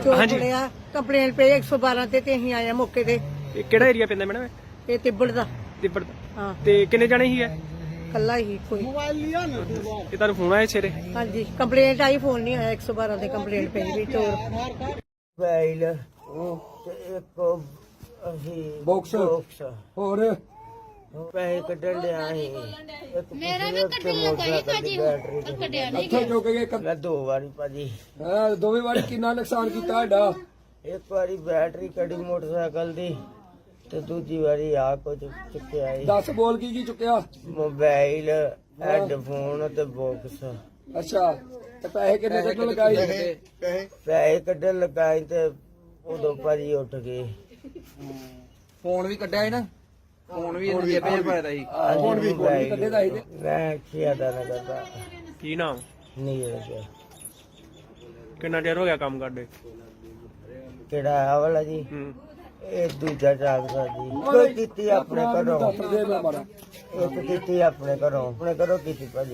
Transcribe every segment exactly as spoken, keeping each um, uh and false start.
ਚੋਰ ਫੜਿਆ ਕੰਪਲੇਂਟ ਪਈ ਇੱਕ ਸੌ ਬਾਰਾਂ ਤੇ ਤੇ ਅਸੀਂ ਆਏ ਮੌਕੇ ਤੇ। ਇਹ ਕਿਹੜਾ ਏਰੀਆ ਪੈਂਦਾ ਮੈਡਮ? ਇਹ ਤਿੱਬੜ ਦਾ। ਤਿੱਬੜ ਦਾ। ਹਾਂ ਤੇ ਕਿੰਨੇ ਜਾਣੇ ਸੀ ਇਹ? ਕੱਲਾ ਹੀ ਕੋਈ। ਇਹ ਤੁਹਾਨੂੰ ਫੋਨ ਆਇਆ ਸਵੇਰੇ? ਹਾਂਜੀ ਕੰਪਲੇਂਟ ਆਈ, ਫੋਨ ਨਹੀਂ ਆਇਆ। ਇੱਕ ਸੌ ਬਾਰਾਂ ਤੇ ਕੰਪਲੇਂਟ ਪਈ ਵੀ ਚੋਰ ਮੋਬਾਈਲ ਤੇ ਇੱਕ ਅਸੀਂ ਬਾਕਸ ਹੋਰ ਪੈਸੇ ਕੱਢਣ ਲਿਆ ਸੀ। ਮੇਰਾ ਵੀ ਕੱਢਣ ਲੱਗਾ ਸੀ ਭਾਜੀ, ਪਰ ਕੱਢਿਆ ਨਹੀਂ ਇੱਥੇ ਚੁੱਕ ਗਏ ਕ- ਮੈਂ ਦੋ ਵਾਰੀ ਭਾਜੀ, ਹੈਂ, ਦੋਵੇਂ ਵਾਰੀ ਕਿੰਨਾ ਨੁਕਸਾਨ ਕੀਤਾ ਸਾਡਾ? ਇੱਕ ਵਾਰੀ ਬੈਟਰੀ ਕੱਢੀ ਮੋਟਰਸਾਈਕਲ ਦੀ ਤੇ ਦੂਜੀ ਵਾਰੀ ਆ ਕੁਝ ਚੁੱਕਿਆ ਸੀ। ਦੱਸ ਬੋਲ ਕੀ ਕੀ ਚੁੱਕਿਆ? ਮੋਬਾਈਲ, ਹੈਡਫੋਨ ਤੇ ਬਾਕਸ। ਅੱਛਾ ਤੇ ਪੈਸੇ ਕਿੰਨੇ ਕੱਢਣ ਲਗਾਈ? ਪੈਸੇ ਕੱਢਣ ਲੱਗਾ ਸੀ ਤੇ ਉਦੋਂ ਭਾਜੀ ਉੱਠ ਗਏ। ਫੋਨ ਵੀ ਕੱਢਿਆ ਸੀ ਨਾ, ਫੋਨ ਵੀ ਇਹਨੇ ਜੇਬੇ 'ਚ ਪਾਇਆ ਸੀ। ਫੋਨ ਵੀ ਕੱਢੇ ਦਾ ਸੀ ਤੇ ਮੈਂ ਖਿਆ ਦਾ ਨਾ ਕਰਦਾ ਕੀ ਨਾਮ? ਨਹੀਂ ਲੱਗਿਆ। ਕਿੰਨਾ ਚਿਰ ਹੋ ਗਿਆ ਕੰਮ ਕਰਦੇ? ਕਿਹੜਾ ਆ ਵਾਲਾ ਜੀ? ਹੂੰ। ਇਹ ਦੂਜਾ ਟਰੈਕਟਰ ਜੀ। ਕੋਈ ਕੀਤੀ ਆਪਣੇ ਘਰੋਂ, ਦੱਸ ਦੇ ਮੈਂ ਮਾਰਾ ਇੱਕ ਕੀਤੀ ਆਪਣੇ ਘਰੋਂ, ਆਪਣੇ ਘਰੋਂ ਕੀਤੀ ਭਾਜੀ।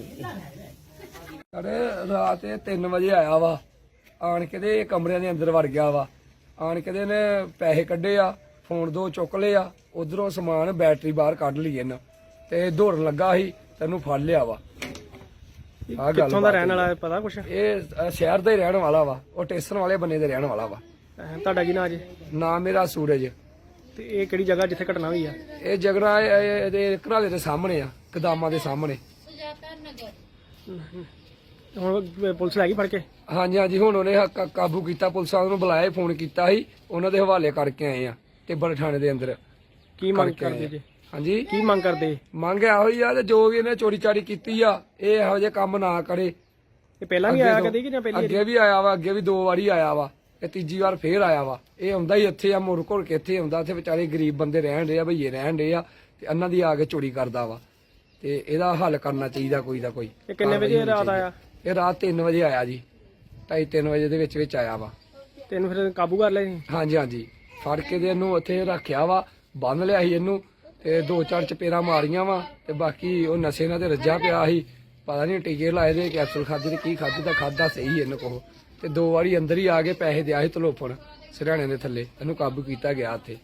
ਅਰੇ ਰਾਤ ਇਹ ਤਿੰਨ ਵਜੇ ਆਇਆ ਵਾ, ਆਣ ਕੇ ਦੇ ਕਮਰਿਆਂ ਦੇ ਅੰਦਰ ਵੜ ਗਿਆ ਵਾ। ਆਣ ਕੇ ਦੇ ਨੇ ਪੈਸੇ ਕੱਢੇ ਆ, ਫੋਨ ਦੋ ਚੁੱਕ ਲਏ ਆ, ਉਧਰੋਂ ਸਮਾਨ ਬੈਟਰੀ ਬਾਹਰ ਕੱਢ ਲਈ ਇਹਨਾਂ ਤੇ ਦੌੜਨ ਲੱਗਾ ਸੀ, ਤੈਨੂੰ ਫੜ ਲਿਆ ਵਾ। ਆ ਗੱਲ ਕਿੱਥੋਂ ਦਾ ਰਹਿਣ ਵਾਲਾ ਹੈ ਪਤਾ ਕੁਛ? ਇਹ ਅ, ਸ਼ਹਿਰ ਦਾ ਹੀ ਰਹਿਣ ਵਾਲਾ ਵਾ, ਉਹ ਟੇਸਨ ਵਾਲੇ ਬੰਨੇ ਦੇ ਰਹਿਣ ਵਾਲਾ ਵਾ। ਅਹ ਤੁਹਾਡਾ ਕੀ ਨਾਂ ਜੀ? ਨਾਮ ਮੇਰਾ ਸੂਰਜ। ਤੇ ਇਹ ਕਿਹੜੀ ਜਗ੍ਹਾ ਜਿੱਥੇ ਘਟਨਾ ਹੋਈ ਆ? ਇਹ ਜਗਰਾ ਇਹਦੇ ਘਰਾਲੇ ਦੇ ਸਾਹਮਣੇ ਆ, ਕਦਾਮਾਂ ਦੇ ਸਾਹਮਣੇ। ਸੁਜਾਤਾ ਨਗਰ। ਹੁਣ ਪੁਲਿਸ ਲੈ ਗਈ ਫੜ ਕੇ? ਹਾਂਜੀ ਹਾਂਜੀ, ਹੁਣ ਉਹਨੇ ਕ- ਕਾਬੂ ਕੀਤਾ, ਪੁਲਿਸ ਵਾਲਿਆਂ ਨੂੰ ਬੁਲਾਇਆ, ਫੋਨ ਕੀਤਾ ਸੀ, ਉਹਨਾਂ ਦੇ ਹਵਾਲੇ ਕਰਕੇ ਆਏ ਆ ਟਿੱਬੜ ਥਾਣੇ ਦੇ ਅੰਦਰ। ਕੀ ਮੰਗ ਕਰਕੇ ਆਏ ਕਰਦੇ ਆ। ਜੀ? ਹਾਂਜੀ, ਕੀ ਮੰਗ ਕਰਦੇ? ਮੰਗ ਇਹੋ ਹੀ ਆ ਤੇ ਜੋ ਵੀ ਇਹਨੇ ਚੋਰੀ ਚਾਰੀ ਕੀਤੀ ਆ, ਇਹ ਇਹੋ ਜਿਹੇ ਕੰਮ ਨਾ ਕਰੇ। ਇਹ ਪਹਿਲਾਂ ਵੀ ਅੱਗੇ ਆਇਆ ਤੋਂ- ਕਦੀ ਕਿ ਜਾਂ ਪਹਿਲੀ ਅੱਗੇ ਵੀ ਆਇਆ ਵਾ, ਅੱਗੇ ਵੀ ਦੋ ਵਾਰੀ ਆਇਆ ਵਾ, ਇਹ ਤੀਜੀ ਵਾਰ ਫੇਰ ਆਇਆ ਵਾ। ਇਹ ਆਉਂਦਾ ਹੀ ਇੱਥੇ ਆ, ਮੁੜ ਘੁੜ ਕੇ ਇੱਥੇ ਆਉਂਦਾ, ਇੱਥੇ ਵਿਚਾਰੇ ਗਰੀਬ ਬੰਦੇ ਰਹਿਣ ਰਹੇ ਆ, ਭਈਏ ਰਹਿਣ ਰਹੇ ਆ, ਤੇ ਇਹਨਾਂ ਦੀ ਆ ਕੇ ਚੋਰੀ ਕਰਦਾ ਵਾ। ਤੇ ਇਹਦਾ ਹੱਲ ਕਰਨਾ ਚਾਹੀਦਾ ਕੋਈ ਦਾ ਕੋਈ। ਇਹ ਕਿੰਨੇ ਵਜੇ ਰਾਤ ਆਇਆ? ਇਹ ਰਾਤ ਤਿੰਨ ਵਜੇ ਆਇਆ ਜੀ, ਢਾਈ ਤਿੰਨ ਵਜੇ ਦੇ ਵਿੱਚ ਵਿੱਚ ਆਇਆ ਵਾ। ਤੈਨੂੰ ਫਿਰ ਕਾਬੂ ਕਰ ਲਿਆ ਸੀ? ਹਾਂਜੀ ਹਾਂਜੀ, ਫੜ ਕੇ ਦੇ ਇਹਨੂੰ ਉੱਥੇ ਰੱਖਿਆ ਵਾ, ਬੰਨ ਲਿਆ ਸੀ ਇਹਨੂੰ, ਤੇ ਦੋ ਚਾਰ ਚਪੇੜਾਂ ਮਾਰੀਆਂ ਵਾ, ਤੇ ਬਾਕੀ ਉਹ ਨਸ਼ੇ ਨਾਲ ਤੇ ਰੱਜਾ ਪਿਆ ਸੀ, ਪਤਾ ਨਹੀਂ ਟੀਕੇ ਲਾਏ ਦੇ, ਕੈਪਸੂਲ ਖਾਦੇ ਤੇ ਕੀ ਖਾਧੀ ਤਾਂ ਖਾਦਾ ਸਹੀ ਇਹਨੂੰ ਕੋਲ। ਤੇ ਦੋ ਵਾਰੀ ਅੰਦਰ ਹੀ ਆ ਕੇ ਪੈਸੇ ਦਿਆ ਸੀ ਤਲੋਫਣ ਸਿਰਹਾਣੇ ਦੇ ਥੱਲੇ, ਇਹਨੂੰ ਕਾਬੂ ਕੀਤਾ ਗਿਆ ਉੱਥੇ।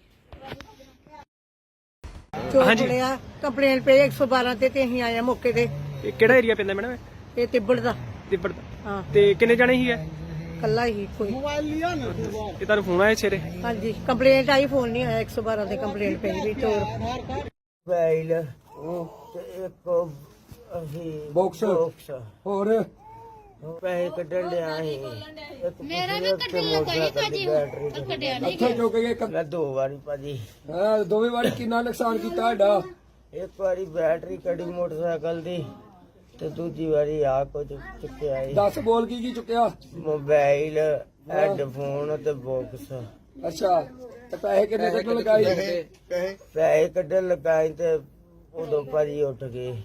ਚੋਰ ਹਾਂਜੀ। ਫੜਿਆ ਕੰਪਲੇਂਟ ਪਈ ਇੱਕ ਸੌ ਬਾਰਾਂ ਤੇ ਤੇ ਅਸੀਂ ਆਏ ਮੌਕੇ ਤੇ। ਇਹ ਕਿਹੜਾ ਏਰੀਆ ਪੈਂਦਾ ਮੈਡਮ? ਇਹ ਤਿੱਬੜ ਦਾ। ਤਿੱਬੜ ਦਾ। ਹਾਂ ਤੇ ਕਿੰਨੇ ਜਾਣੇ ਸੀ ਇਹ? ਕੱਲਾ ਹੀ ਕੋਈ। ਇਹ ਤੁਹਾਨੂੰ ਫੋਨ ਆਇਆ ਸਵੇਰੇ? ਹਾਂਜੀ ਕੰਪਲੇਂਟ ਆਈ, ਫੋਨ ਨਹੀਂ ਆਇਆ। ਇੱਕ ਸੌ ਬਾਰਾਂ ਤੇ ਕੰਪਲੇਂਟ ਪਈ ਵੀ ਚੋਰ ਮੋਬਾਈਲ ਤੇ ਇੱਕ ਅਸੀਂ ਬਾਕਸ ਬਾਕਸ ਹੋਰ ਪੈਸੇ ਕੱਢਣ ਲਿਆ ਸੀ। ਇੱਕ ਮੇਰਾ ਵੀ ਕੱਢਣ ਲੱਗਾ ਸੀ ਭਾਜੀ, ਪਰ ਕੱਢਿਆ ਨਹੀਂ ਇੱਥੇ ਚੁੱਕ ਗਏ ਕ- ਮੈਂ ਦੋ ਵਾਰੀ ਭਾਜੀ, ਹੈਂ, ਦੋਵੇਂ ਵਾਰੀ ਕਿੰਨਾ ਨੁਕਸਾਨ ਕੀਤਾ ਸਾਡਾ? ਇੱਕ ਵਾਰੀ ਬੈਟਰੀ ਕੱਢੀ ਮੋਟਰਸਾਈਕਲ ਦੀ ਤੇ ਦੂਜੀ ਵਾਰੀ ਆ ਕੁਝ ਚੁੱਕਿਆ ਸੀ। ਦੱਸ ਬੋਲ ਕੀ ਕੀ ਚੁੱਕਿਆ? ਮੋਬਾਈਲ, ਹੈਡਫੋਨ ਤੇ ਬਾਕਸ। ਅੱਛਾ ਤੇ ਪੈਸੇ ਕਿੰਨੇ ਕੱਢਣ ਲਗਾਈ? ਪੈਸੇ ਕੱਢਣ ਲੱਗਾ ਸੀ ਤੇ ਉਦੋਂ ਭਾਜੀ ਉੱਠ ਗਏ।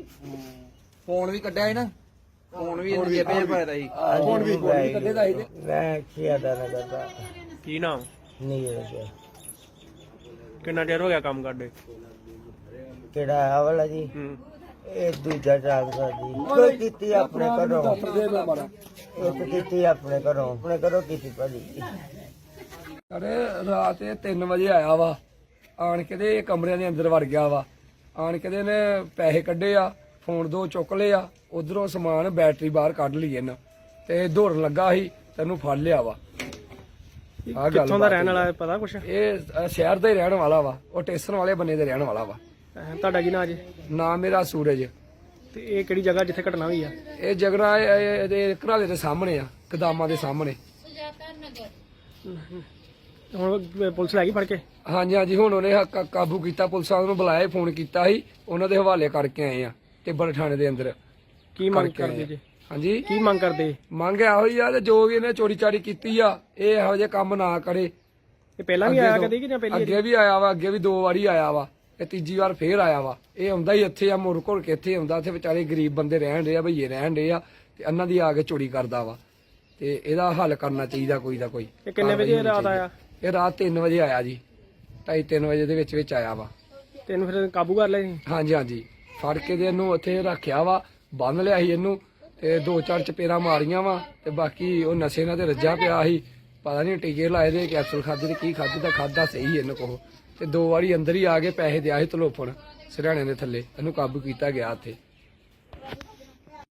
ਫੋਨ ਵੀ ਕੱਢਿਆ ਸੀ ਨਾ, ਫੋਨ ਵੀ ਇਹਨੇ ਜੇਬੇ 'ਚ ਪਾਇਆ ਸੀ। ਫੋਨ ਵੀ ਕੱਢੇ ਦਾ ਸੀ ਤੇ ਮੈਂ ਖਿਆ ਦਾ ਨਾ ਕਰਦਾ ਕੀ ਨਾਮ? ਨਹੀਂ ਲੱਗਿਆ। ਕਿੰਨਾ ਚਿਰ ਹੋ ਗਿਆ ਕੰਮ ਕਰਦੇ? ਕਿਹੜਾ ਆ ਵਾਲਾ ਜੀ? ਹੂੰ। ਇਹ ਦੂਜਾ ਟਰੈਕਟਰ ਜੀ। ਕੋਈ ਕੀਤੀ ਆਪਣੇ ਘਰੋਂ, ਦੱਸ ਦੇ ਮੈਂ ਮਾਰਾ ਇੱਕ ਕੀਤੀ ਆਪਣੇ ਘਰੋਂ, ਆਪਣੇ ਘਰੋਂ ਕੀਤੀ ਭਾਜੀ। ਅਰੇ ਰਾਤ ਇਹ ਤਿੰਨ ਵਜੇ ਆਇਆ ਵਾ, ਆਣ ਕੇ ਦੇ ਕਮਰਿਆਂ ਦੇ ਅੰਦਰ ਵੜ ਗਿਆ ਵਾ। ਆਣ ਕੇ ਦੇ ਨੇ ਪੈਸੇ ਕੱਢੇ ਆ, ਫੋਨ ਦੋ ਚੁੱਕ ਲਏ ਆ, ਉਧਰੋਂ ਸਮਾਨ ਬੈਟਰੀ ਬਾਹਰ ਕੱਢ ਲਈ ਇਹਨਾਂ ਤੇ ਦੌੜਨ ਲੱਗਾ ਸੀ, ਤੈਨੂੰ ਫੜ ਲਿਆ ਵਾ। ਆ ਗੱਲ ਕਿੱਥੋਂ ਦਾ ਰਹਿਣ ਵਾਲਾ ਹੈ ਪਤਾ ਕੁਛ? ਇਹ ਅ, ਸ਼ਹਿਰ ਦਾ ਹੀ ਰਹਿਣ ਵਾਲਾ ਵਾ, ਉਹ ਟੇਸਨ ਵਾਲੇ ਬੰਨੇ ਦੇ ਰਹਿਣ ਵਾਲਾ ਵਾ। ਅਹ ਤੁਹਾਡਾ ਕੀ ਨਾਂ ਜੀ? ਨਾਮ ਮੇਰਾ ਸੂਰਜ। ਤੇ ਇਹ ਕਿਹੜੀ ਜਗ੍ਹਾ ਜਿੱਥੇ ਘਟਨਾ ਹੋਈ ਆ? ਇਹ ਜਗਰਾ ਇਹਦੇ ਘਰਾਲੇ ਦੇ ਸਾਹਮਣੇ ਆ, ਕਦਾਮਾਂ ਦੇ ਸਾਹਮਣੇ। ਸੁਜਾਤਾ ਨਗਰ। ਹੁਣ ਪੁਲਿਸ ਲੈ ਗਈ ਫੜ ਕੇ? ਹਾਂਜੀ ਹਾਂਜੀ, ਹੁਣ ਉਹਨੇ ਕ- ਕਾਬੂ ਕੀਤਾ, ਪੁਲਿਸ ਵਾਲਿਆਂ ਨੂੰ ਬੁਲਾਇਆ, ਫੋਨ ਕੀਤਾ ਸੀ, ਉਹਨਾਂ ਦੇ ਹਵਾਲੇ ਕਰਕੇ ਆਏ ਆ ਟਿੱਬੜ ਥਾਣੇ ਦੇ ਅੰਦਰ। ਕੀ ਮੰਗ ਕਰਕੇ ਆਏ ਕਰਦੇ ਆ। ਜੀ? ਹਾਂਜੀ, ਕੀ ਮੰਗ ਕਰਦੇ? ਮੰਗ ਇਹੋ ਹੀ ਆ ਤੇ ਜੋ ਵੀ ਇਹਨੇ ਚੋਰੀ ਚਾਰੀ ਕੀਤੀ ਆ, ਇਹ ਇਹੋ ਜਿਹੇ ਕੰਮ ਨਾ ਕਰੇ। ਇਹ ਪਹਿਲਾਂ ਵੀ ਅੱਗੇ ਆਇਆ ਤੋਂ- ਕਦੀ ਕਿ ਜਾਂ ਪਹਿਲੀ? ਅੱਗੇ ਵੀ ਆਇਆ ਵਾ, ਅੱਗੇ ਵੀ ਦੋ ਵਾਰੀ ਆਇਆ ਵਾ, ਇਹ ਤੀਜੀ ਵਾਰ ਫੇਰ ਆਇਆ ਵਾ। ਇਹ ਆਉਂਦਾ ਹੀ ਇੱਥੇ ਆ, ਮੁੜ ਘੁੜ ਕੇ ਇੱਥੇ ਆਉਂਦਾ, ਇੱਥੇ ਵਿਚਾਰੇ ਗਰੀਬ ਬੰਦੇ ਰਹਿਣ ਰਹੇ ਆ, ਭਈਏ ਰਹਿਣ ਰਹੇ ਆ, ਤੇ ਇਹਨਾਂ ਦੀ ਆ ਕੇ ਚੋਰੀ ਕਰਦਾ ਵਾ। ਤੇ ਇਹਦਾ ਹੱਲ ਕਰਨਾ ਚਾਹੀਦਾ ਕੋਈ ਦਾ ਕੋਈ। ਇਹ ਕਿੰਨੇ ਵਜੇ ਰਾਤ ਆਇਆ? ਇਹ ਰਾਤ ਤਿੰਨ ਵਜੇ ਆਇਆ ਜੀ, ਢਾਈ ਤਿੰਨ ਵਜੇ ਦੇ ਵਿੱਚ ਵਿੱਚ ਆਇਆ ਵਾ। ਤੈਨੂੰ ਫਿਰ ਕਾਬੂ ਕਰ ਲਿਆ ਸੀ? ਹਾਂਜੀ ਹਾਂਜੀ, ਫੜ ਕੇ ਦੇ ਇਹਨੂੰ ਉੱਥੇ ਰੱਖਿਆ ਵਾ, ਬੰਨ ਲਿਆ ਸੀ ਇਹਨੂੰ, ਤੇ ਦੋ ਚਾਰ ਚਪੇੜਾਂ ਮਾਰੀਆਂ ਵਾ, ਤੇ ਬਾਕੀ ਉਹ ਨਸ਼ੇ ਨਾਲ ਤੇ ਰੱਜਾ ਪਿਆ ਸੀ, ਪਤਾ ਨਹੀਂ ਟੀਕੇ ਲਾਏ ਦੇ ਕੈਪਸੂਲ ਖਾਦੇ ਤੇ ਕੀ ਖਾਦੇ ਤਾਂ ਖਾਦਾ ਸਹੀ ਇਹਨੂੰ ਕੋਹ ਤੇ ਦੋ ਵਾਰੀ ਅੰਦਰ ਹੀ ਆ ਕੇ ਪੈਸੇ ਦਿਆ ਸੀ ਤਲੋਫਣ ਸਿਰਹਾਣੇ ਦੇ ਥੱਲੇ ਇਹਨੂੰ ਕਾਬੂ ਕੀਤਾ ਗਿਆ ਉੱਥੇ।